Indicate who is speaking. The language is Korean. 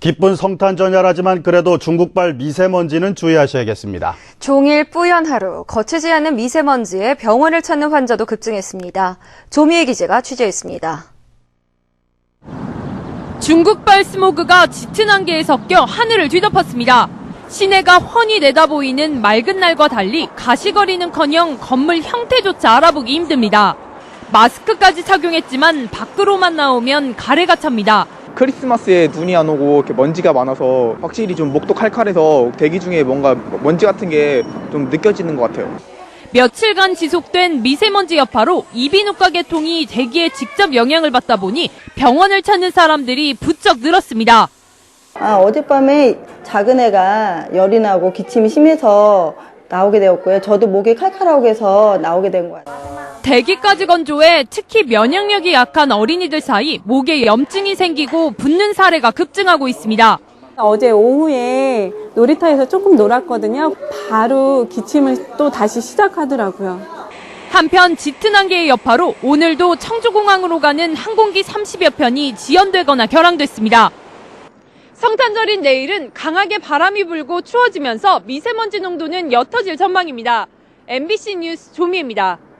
Speaker 1: 기쁜 성탄 전야라지만 그래도 중국발 미세먼지는 주의하셔야겠습니다.
Speaker 2: 종일 뿌연 하루, 거치지 않는 미세먼지에 병원을 찾는 환자도 급증했습니다. 조미애 기자가 취재했습니다.
Speaker 3: 중국발 스모그가 짙은 안개에 섞여 하늘을 뒤덮었습니다. 시내가 훤히 내다보이는 맑은 날과 달리 가시거리는커녕 건물 형태조차 알아보기 힘듭니다. 마스크까지 착용했지만 밖으로만 나오면 가래가 찹니다.
Speaker 4: 크리스마스에 눈이 안 오고 이렇게 먼지가 많아서 확실히 좀 목도 칼칼해서 대기 중에 뭔가 먼지 같은 게 좀 느껴지는 것 같아요.
Speaker 3: 며칠간 지속된 미세먼지 여파로 이비인후과 계통이 대기에 직접 영향을 받다 보니 병원을 찾는 사람들이 부쩍 늘었습니다.
Speaker 5: 어젯밤에 작은 애가 열이 나고 기침이 심해서 나오게 되었고요. 저도 목이 칼칼하고 해서 나오게 된 것 같아요.
Speaker 3: 대기까지 건조해 특히 면역력이 약한 어린이들 사이 목에 염증이 생기고 붓는 사례가 급증하고 있습니다.
Speaker 6: 어제 오후에 놀이터에서 조금 놀았거든요. 바로 기침을 또 다시 시작하더라고요.
Speaker 3: 한편 짙은 안개의 여파로 오늘도 청주공항으로 가는 항공기 30여 편이 지연되거나 결항됐습니다. 성탄절인 내일은 강하게 바람이 불고 추워지면서 미세먼지 농도는 옅어질 전망입니다. MBC 뉴스 조미애입니다.